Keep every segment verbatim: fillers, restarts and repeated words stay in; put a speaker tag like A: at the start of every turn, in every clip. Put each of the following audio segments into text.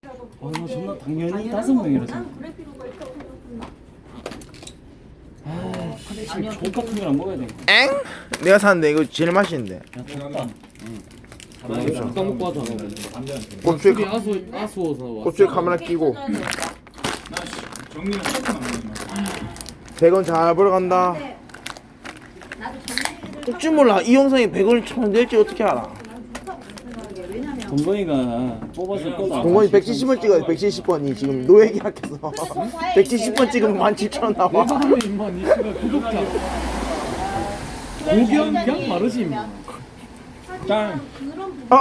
A: 아, 존나 당연히 다섯 명이라서.
B: 난 그럴 필요가 있다고 생각했나?
A: 아, 사실 족 같은 거랑 먹어야 돼.
C: 엥? 내가 샀는데 이거 제일 맛있는데.
A: 야, 덥다.
D: 나 이거 잠깐 먹고 하잖아.
C: 고추에
D: 술이
C: 카,
D: 아수 아수워서 왔어.
C: 고추에 카메라 끼고
E: 정리는 조금만 먹는
C: 백 원 잘 벌어간다.
B: 근데 나도 정리를
C: 어찌 몰라 이 영상에 백 원이 천 될지 어떻게 알아?
B: 난 좋다고 생각해. 왜냐면
A: 동건이가 뽑아줄 거다.
C: 동건이 백칠십 번 찍어야 돼. 백칠십 번이 지금 노예 계약해서 백칠십 번 찍으면 만 칠천 원 나와.
D: 내가 하면 임마 니 씨가 구독자. 고견 그냥 마르지 임마.
A: 짱.
B: 그런 부분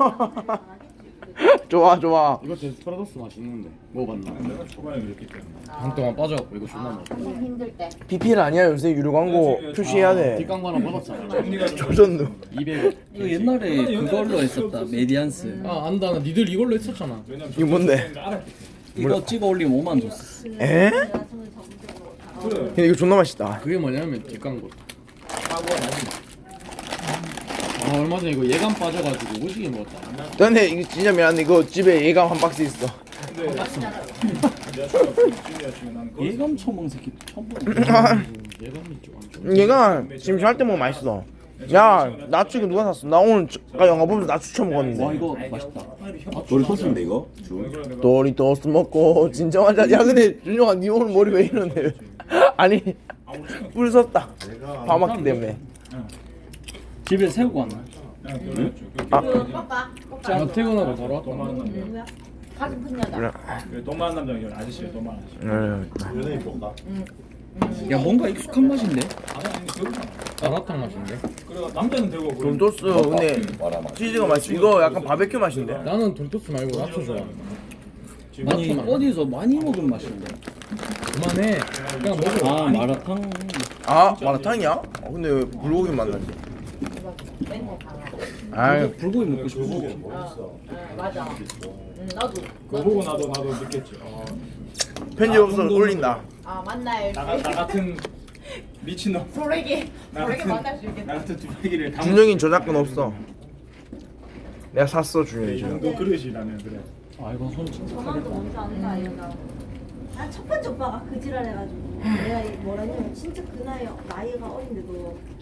C: 좋아 좋아.
D: 이거 데스파라도스 맛있는데 먹어봤나?
E: 내가 초반에 그랬기 때문에.
D: 한 동안 빠져갖고 이거 존나 먹어.
B: 좀 힘들 때.
C: 비피엘 아니야 요새 유료 광고 표시해야 돼.
D: 뒷광고 하나 받았잖아.
E: 정리가 좀
C: 조전도.
D: 이백 원.
A: 이거 옛날에 그걸로 했었다. 메디안스.
D: 아 안다 나 니들 이걸로 했었잖아.
E: 왜냐면
C: 이거 뭔데?
E: 알았기
A: 이거 찍어 올리면 오만 줬어.
C: 에?
B: 내가 저는 적극적으로 다
E: 때문에. 그래.
C: 근데 이거 존나 맛있다.
D: 그게 뭐냐면 뒷광고.
E: 사고가 나지.
D: 아 얼마 전에 이거 예감 빠져가지고 오지게 먹었다.
C: 근데 이거 진짜 미안한데 이거 집에 예감 한 박스 있어.
E: 근데 내가 처음 준비할 중에 나는 거기서
A: 예감 처먹은 새끼 처음 보네.
D: 예감이 좀.
C: 얘가 지금 잘 때 먹으면 맛있어. 야 나추 이거 누가 샀어? 나 오늘 저- 아까 영화 보면서 나추 처음
A: 와
C: 먹었는데.
A: 이거 맛있다.
F: 도리토스인데 이거?
C: 도리토스 먹고 진정한 자. 야 근데 준영아 니 오늘 머리 왜 이러네? 아니 뿔 썼다. 밥 먹기 때문에.
A: 집에 세우고 왔나?
C: 아
B: 오빠, 오빠.
D: 나 퇴근하고 바로 왔다.
B: 누구야? 가슴 큰 여자.
C: 그래.
E: 돈 많은 남자 이런 아저씨야, 돈 많은 아저씨.
C: 네.
F: 연예인 뭔가?
A: 야 뭔가 익숙한 맛인데?
E: 아니 아니 그렇잖아.
D: 마라탕 맛인데.
E: 그래가 남자는 되고 그래.
C: 돈토스 근데 치즈가 맛있어. 이거 약간 바베큐 맛인데.
D: 나는 돌토스 말고 나초 좋아.
A: 아니 어디서 많이 먹은 맛인데?
D: 그만해. 그냥 먹어.
A: 아 마라탕.
C: 아 마라탕이야? 어, 근데 왜 불고기 만나지?
B: 맨날 다.
C: 아
A: 불고기 먹고 싶어.
B: 어, 맞아. 응, 나도.
E: 그거 보고 나도 나도 느꼈지. 어,
C: 편집 없어 올린다.
B: 아 만날
E: 나, 나 같은 미친놈.
B: 소래기.
E: 나
B: 소래기
E: 같은
B: 만날 수
E: 나
B: 있겠다.
E: 같은 두배기를 담.
C: 준영이 저작권 없어. 내가 샀어 준영이
E: 이
C: 저.
E: 정도 그릇이라면 그래.
A: 아 이거 손 진짜
B: 전화도
A: 크겠다.
B: 먼저 아는 거 아니야? 난첫 번째 오빠가 그 지랄 해가지고 내가 이 뭐라 했냐면 진짜 그 나이 나이가 어린데도